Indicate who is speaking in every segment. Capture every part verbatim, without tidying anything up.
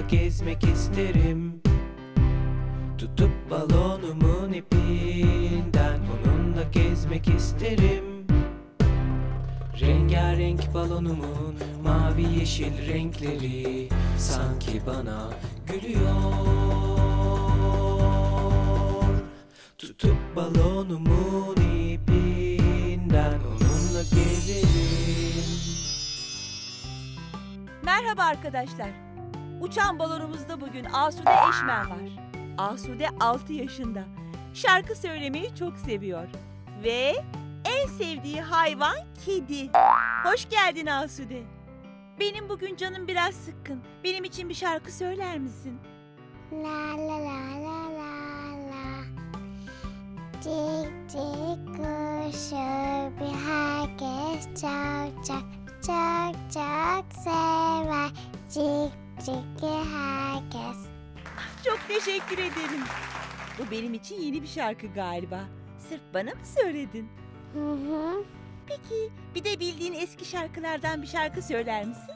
Speaker 1: gezmek isterim. Tutup balonumun ipinden onunla gezmek isterim. Rengarenk balonumun mavi yeşil renkleri sanki bana gülüyor. Tutup balonumun ipinden onunla gezerim.
Speaker 2: Merhaba arkadaşlar. Uçan balonumuzda bugün Asude Eşmer var. Asude altı yaşında. Şarkı söylemeyi çok seviyor. Ve en sevdiği hayvan kedi. Hoş geldin Asude. Benim bugün canım biraz sıkkın. Benim için bir şarkı söyler misin?
Speaker 3: La la la la la la. Cik cik kuşu bir herkes çok çok çok çok sever. Cik cik herkes.
Speaker 2: Çok teşekkür ederim. Bu benim için yeni bir şarkı galiba. Sırf bana mı söyledin?
Speaker 3: Hı hı.
Speaker 2: Peki bir de bildiğin eski şarkılardan bir şarkı söyler misin?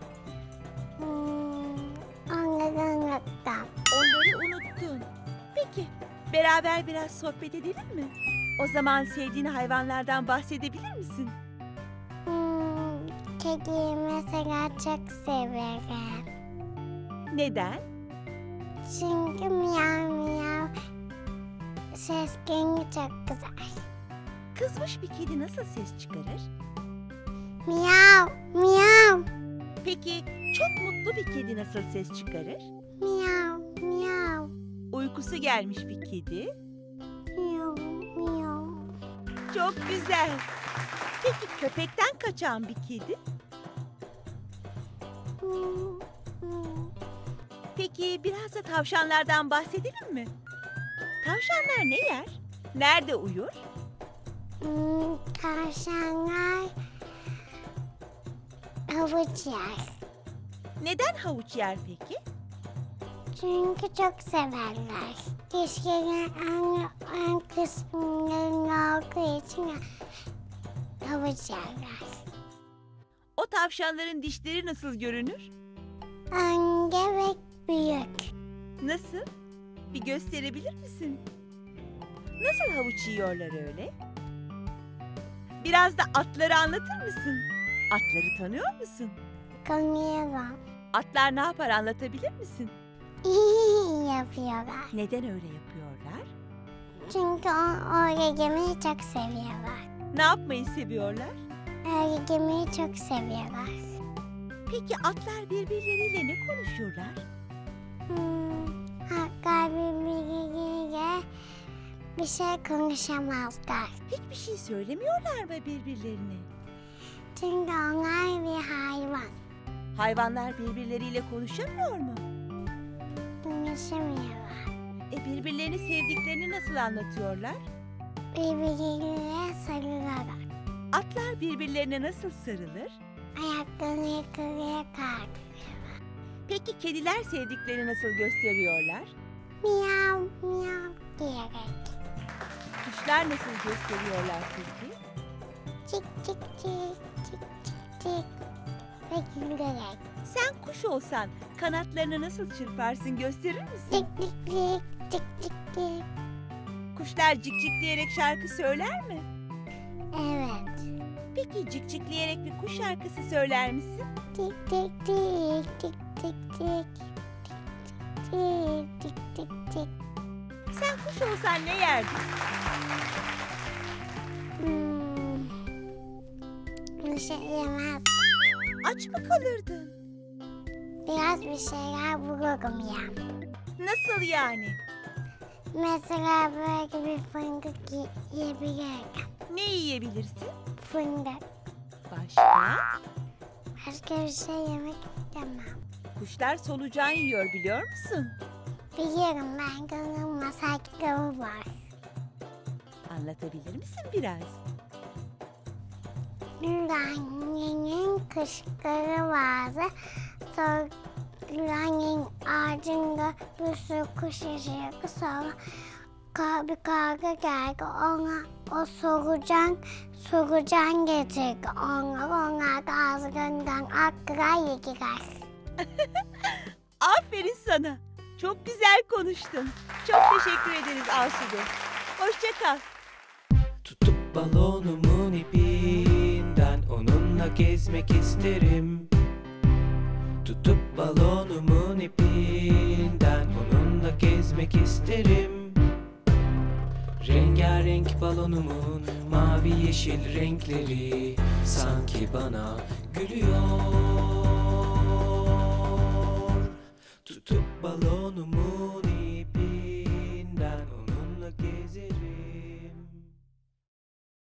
Speaker 3: Hmm, Onları unuttum.
Speaker 2: Onları unuttun. Peki beraber biraz sohbet edelim mi? O zaman sevdiğin hayvanlardan bahsedebilir misin?
Speaker 3: Hmm, Kediyi mesela çok severim.
Speaker 2: Neden?
Speaker 3: Çünkü miyav miyav ses gengi çok güzel.
Speaker 2: Kızmış bir kedi nasıl ses çıkarır?
Speaker 3: Miyav miyav
Speaker 2: Peki çok mutlu bir kedi nasıl ses çıkarır?
Speaker 3: miyav miyav
Speaker 2: Uykusu gelmiş bir kedi.
Speaker 3: miyav miyav.
Speaker 2: Çok güzel. Peki köpekten kaçan bir kedi?
Speaker 3: Hmm, hmm.
Speaker 2: Peki biraz da tavşanlardan bahsedelim mi? Tavşanlar ne yer? Nerede uyur?
Speaker 3: Hmm, Tavşanlar havuç yer.
Speaker 2: Neden havuç yer peki?
Speaker 3: Çünkü çok severler. Dişlerin en, en kısımlarında olduğu için havuç yerler.
Speaker 2: O tavşanların dişleri nasıl görünür?
Speaker 3: Ange ve büyük.
Speaker 2: Nasıl? Bir gösterebilir misin? Nasıl havuç yiyorlar öyle? Biraz da atları anlatır mısın? Atları tanıyor musun?
Speaker 3: Konuyorum.
Speaker 2: Atlar ne yapar anlatabilir misin?
Speaker 3: İyi yapıyorlar.
Speaker 2: Neden öyle yapıyorlar?
Speaker 3: Çünkü o, oraya yemeği çok seviyorlar.
Speaker 2: Ne yapmayı seviyorlar?
Speaker 3: Oraya yemeği çok seviyorlar.
Speaker 2: Peki atlar birbirleriyle ne konuşurlar?
Speaker 3: Hmm, hatta birbirleriyle bir şey konuşamazlar.
Speaker 2: Hiçbir şey söylemiyorlar mı birbirlerine?
Speaker 3: Çünkü onlar bir hayvan.
Speaker 2: Hayvanlar birbirleriyle konuşamıyor mu?
Speaker 3: Konuşamıyorlar.
Speaker 2: E birbirlerini sevdiklerini nasıl anlatıyorlar?
Speaker 3: Birbirleriyle sarılıyorlar.
Speaker 2: Atlar birbirlerine nasıl sarılır?
Speaker 3: Ayaklarını yukarıya kaldırıyorlar.
Speaker 2: Peki kediler sevdiklerini nasıl gösteriyorlar?
Speaker 3: Miyav miyav diyerek.
Speaker 2: Kuşlar nasıl gösteriyorlar peki?
Speaker 3: Cik cik cik cik cik cik ve gülerek.
Speaker 2: Sen kuş olsan kanatlarını nasıl çırparsın gösterir misin?
Speaker 3: Cik cik cik cik cik cik.
Speaker 2: Kuşlar cikcikleyerek şarkı söyler mi?
Speaker 3: Evet.
Speaker 2: Peki cikcikleyerek bir kuş şarkısı söyler misin?
Speaker 3: Cik cik cik cik cik cik cik cik cik cik.
Speaker 2: Sen kuş olsan ne yerdin?
Speaker 3: Hmm. Bir şey yemez.
Speaker 2: Aç mı kalırdın?
Speaker 3: Biraz bir şeyler bulurum ya.
Speaker 2: Nasıl yani?
Speaker 3: Mesela böyle bir fındık yi- yiyebilirim.
Speaker 2: Ne yiyebilirsin?
Speaker 3: Fındık.
Speaker 2: Başka?
Speaker 3: Başka bir şey yemek istemem.
Speaker 2: Kuşlar solucan yiyor biliyor musun?
Speaker 3: Biliyorum, ben gönlüm masal kitabı var.
Speaker 2: Anlatabilir misin biraz?
Speaker 3: Annenin kışkırı vardı. Sonra ağacında bir sürü kuş yaşıyordu. Sonra ka- bir karga geldi. Ona o solucan, solucan getirdi. Onlar, onlar da ağzından aktılar yediler.
Speaker 2: Aferin. Aferin sana. Çok güzel konuştun. Çok teşekkür ederiz Asude. Hoşça kal.
Speaker 1: Tutup balonumun ipinden onunla gezmek isterim. Tutup balonumun ipinden onunla gezmek isterim. Rengarenk balonumun mavi yeşil renkleri sanki bana gülüyor. Tutup balonumun